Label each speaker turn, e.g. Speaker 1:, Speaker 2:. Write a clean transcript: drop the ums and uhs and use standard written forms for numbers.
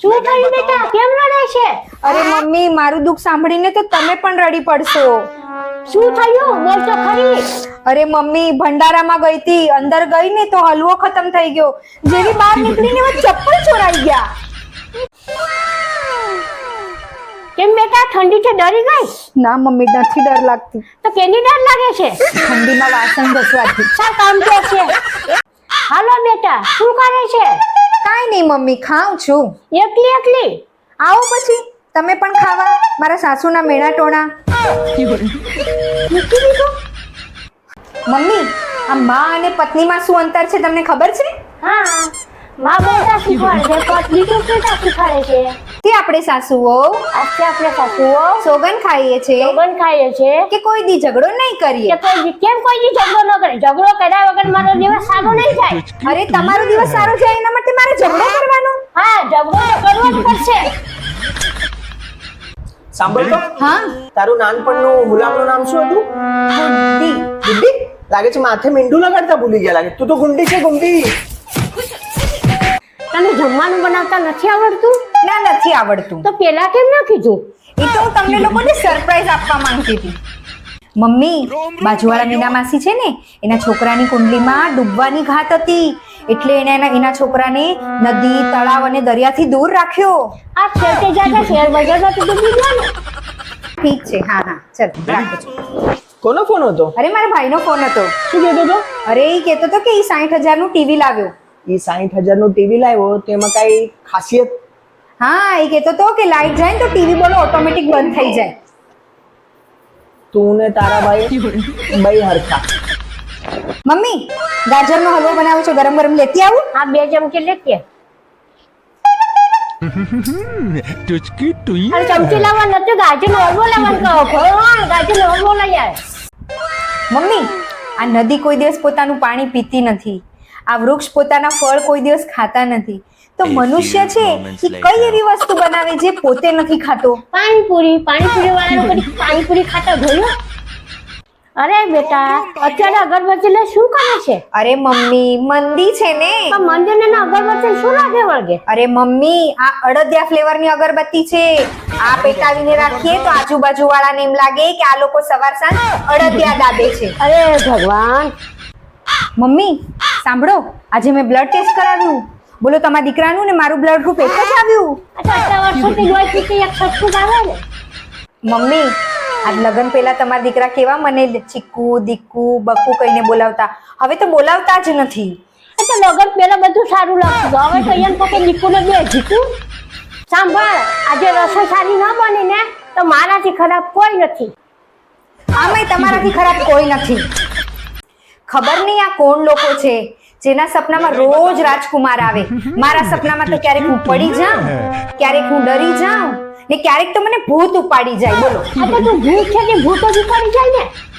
Speaker 1: શું થયું બેટા? કેમ રડે છે?
Speaker 2: અરે મમ્મી, મારું દુઃખ સાંભળીને તો તમે પણ રડી પડશો.
Speaker 1: શું થયું? બોલ તો ખરી.
Speaker 2: અરે મમ્મી, ભંડારામાં ગઈ હતી, અંદર ગઈ ને તો હલવો ખતમ થઈ ગયો. જેવી બહાર નીકળીને એમાં ચપ્પલ ચોરાઈ ગયા.
Speaker 1: કેમ બેટા, ઠંડી છે ડરી ગઈ?
Speaker 2: ના મમ્મી, નથી ડર લાગતી.
Speaker 1: તો કેની ડર લાગે છે?
Speaker 2: ઠંડીમાં વાસણ ઘસવાથી.
Speaker 1: સા કામ તો છે. હાલો બેટા, શું કરે છે?
Speaker 2: કાંઈ નહીં મમ્મી, ખાઉં છું.
Speaker 1: એકલી એકલી?
Speaker 2: આવો પછી તમે પણ ખાવા, મારા સાસુના મેણા ટોણા.
Speaker 1: મૂકી દીધું?
Speaker 2: મમ્મી, આ માં અને પત્નીમાં શું અંતર છે તમને ખબર છે?
Speaker 1: હા, માં બોલતા શીખવાડે છે, પત્ની તો કેતા શીખવાડે છે.
Speaker 2: કે આપણે સાસુઓ
Speaker 1: આજે આપણે સાસુઓ
Speaker 2: સોગન ખાઈએ છે
Speaker 1: સોગન ખાઈએ છે
Speaker 2: કે કોઈ દી ઝઘડો નહીં કરીએ.
Speaker 1: કે કેમ કોઈ દી ઝઘડો ન કરે? ઝઘડો કર્યા વગર મારો દિવસ સારો નહીં જાય.
Speaker 2: અરે તમારો દિવસ સારો જાય એના માટે મારે ઝઘડો કરવાનો?
Speaker 1: હા, ઝઘડો તો કરવો જ પડશે.
Speaker 3: સાંભળ તો,
Speaker 2: હા,
Speaker 3: તારું નાનપણનું ગુલામનું નામ શું હતું?
Speaker 2: ગુંડી.
Speaker 3: ગુંડી? લાગે છે માથે મીંડું લગાડતા ભૂલી ગયા લાગે. તું તો ગુંડી છે, ગુંડી.
Speaker 1: તને જમવાનું બનાવતા નથી આવડતું?
Speaker 2: ના, નથી આવડતું.
Speaker 1: તો પેલા કેમ ન કીધું?
Speaker 2: એ તો હું તમને લોકોને સરપ્રાઈઝ આપવા માંગતી હતી. મમ્મી, બાજુવાળા મીના માસી છે ને, એના છોકરાની કુંડલીમાં ડૂબવાની ઘાત હતી, એટલે એના છોકરાને નદી, તળાવ અને દરિયાથી દૂર રાખ્યો.
Speaker 1: આ છેવટે જાતા શેર બજારમાં તો ડૂબી ગયા ને.
Speaker 2: ઠીક છે, હા હા, ચલ રાખો છો.
Speaker 3: કોનો ફોન હતો?
Speaker 2: અરે મારા ભાઈનો ફોન હતો.
Speaker 3: શું કહેતો હતો?
Speaker 2: અરે એ કહેતો હતો કે એ 60,000 નું ટીવી લાવ્યો.
Speaker 3: એ 60,000 નું ટીવી લાવ્યો, તેમાં કઈ ખાસિયત?
Speaker 2: હા, એ કહેતો હતો કે લાઈટ જાય ને તો ટીવી બોલો ઓટોમેટિક બંધ થઈ જાય.
Speaker 3: તું ને તારા ભાઈ બઈ હરખા.
Speaker 2: મમ્મી, ગાજરનો હલવો બનાવું છું, ગરમ ગરમ લેતી આવું?
Speaker 1: આ 2 ચમચી લેકે.
Speaker 4: ટુચકી ટુઈ
Speaker 1: અને ચમચી લાવવા નથી, ગાજરનો હલવો લાવવાનું કહો. ભગવાન, ગાજરનો હલવો લઈ આય.
Speaker 2: મમ્મી, આ નદી કોઈ દિવસ પોતાનું પાણી પીતી નથી, આ વૃક્ષ પોતાના ફળ કોઈ દિવસ ખાતા નથી, તો મનુષ્ય છે એ કઈ એવી વસ્તુ બનાવે જે પોતે નથી ખાતો?
Speaker 1: પાણીપુરી વાળાનો કદી પાણીપુરી ખાતા જોયું? અરે બેટા, અત્યારે અગરબત્તી લઈ શું કરે છે?
Speaker 2: અરે મમ્મી, મંદી છે ને.
Speaker 1: પણ મંદિરને ના અગરબત્તી શું લાગે વળગે?
Speaker 2: અરે મમ્મી, આ અડદિયા ફ્લેવરની અગરબત્તી છે. આ પેટાવીને રાખીએ તો આજુબાજુ વાળાને એમ લાગે કે આ લોકો સવાર સાંજ અડદિયા દાબે છે.
Speaker 1: અરે ભગવાન.
Speaker 2: મમ્મી સાંભળો, આજે મેં બ્લડ ટેસ્ટ કરાવ્યું. બોલો, તમારા દીકરાનું ને મારું બ્લડ ગ્રુપ એક જ આવ્યું.
Speaker 1: આટલા વર્ષોથી લોહી પીતી એક સટકું આવે ને.
Speaker 2: મમ્મી, આજ લગ્ન પહેલા તમારા દીકરા કેવા મને ચીકુ, દીકુ, બકુ કહીને બોલાવતા, હવે તો બોલાવતા જ નથી.
Speaker 1: એ તો લગન પેલા બધું સારું લાગતું, હવે તો એમ કે દીકુને બે જીતું. સાંભળ, આજે રસોઈ સારી ન બની ને તો મારાથી ખરાબ કોઈ નથી.
Speaker 2: આમાંય તમારાથી ખરાબ કોઈ નથી. ખબર નહીં આ કોણ લોકો છે જેના સપનામાં રોજ રાજકુમાર આવે. મારા સપનામાં તો ક્યારેક હું પડી જાઉં, ક્યારેક હું ડરી જાઉં ને ક્યારેક તો મને ભૂત ઉપાડી જાય. બોલો,
Speaker 1: આ તો તું ભૂત છે કે ભૂતો જ પડી જાય ને.